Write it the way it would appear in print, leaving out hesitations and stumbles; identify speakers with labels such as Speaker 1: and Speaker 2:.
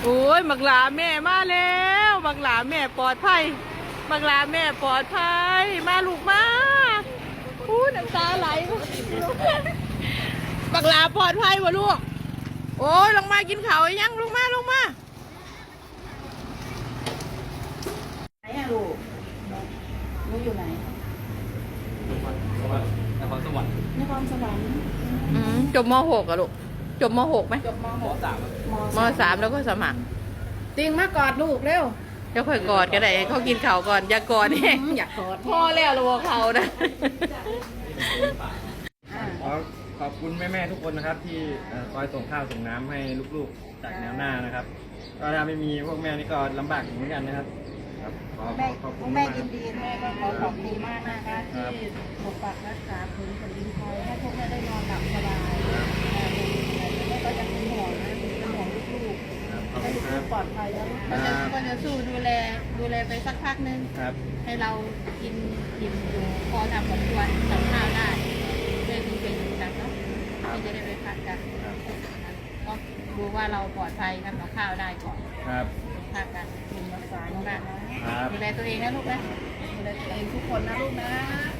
Speaker 1: โอ้ยบักหลาแม่มาแล้วบักหลาแม่ปลอดภัยบักหลาแม่ปลอดภัยมาลูกมาอู้น้ำตาไหลบักหลาปลอดภัยวะลูกโอ้ยลงมากินข้าวยังลงมาลงมา
Speaker 2: ไหนอะลูกลูกอยู่ไหน
Speaker 3: นครสวรรค์
Speaker 2: นครสวรรค์
Speaker 1: จบม .6 อะลูกจบม .6 ไหม
Speaker 2: จบม
Speaker 3: ม
Speaker 2: .6
Speaker 3: 3
Speaker 1: ม .3 แล้วก็สมัคร
Speaker 2: ติงมากอดลูกเร็ว
Speaker 1: จะค่อยกอดก็ได้เขากินข้าวก่อนอย่ากอดเอง
Speaker 2: อยากกอด
Speaker 1: พ่อแล้วระวังเขานะ
Speaker 3: ขอบคุณแม่ๆทุกคนนะครับที่คอยส่งข้าวส่งน้ำให้ลูกๆจากแนวหน้านะครับก็ถ้าไม่มีพวกแม่นี่ก็ลำบากเหมือนกันนะครับขอบคุณ
Speaker 2: แม่
Speaker 3: มาก
Speaker 2: ยินดีแม่ก็ขอขอบคุณมากนะคะที่ปกปักรักษาพื้นแผ่นดินไทยให้พวกแม่ได้นอนหลับสบายแม่ก็จะเป็นห่วงนะเป็นห่วงลูกๆให้ลูกๆปลอดภัยแล้วก็จะสู้ดูแลไปสักพักนึง
Speaker 3: ครับ
Speaker 2: ให้เรากินอิ่มอยู่พอทำกับควรกับข้าวได้เพื่อที่เป็นกันเนาะที่จะได้ไปพักกันก็ดูว่าเราปลอดภัยทำกับข้าวได้ก่อน
Speaker 3: ครับ
Speaker 2: พักกันคุณรักษาน้องบ้านนะดูแลตัวเองนะลูกนะดูแลตัวเองทุกคนนะลูกนะ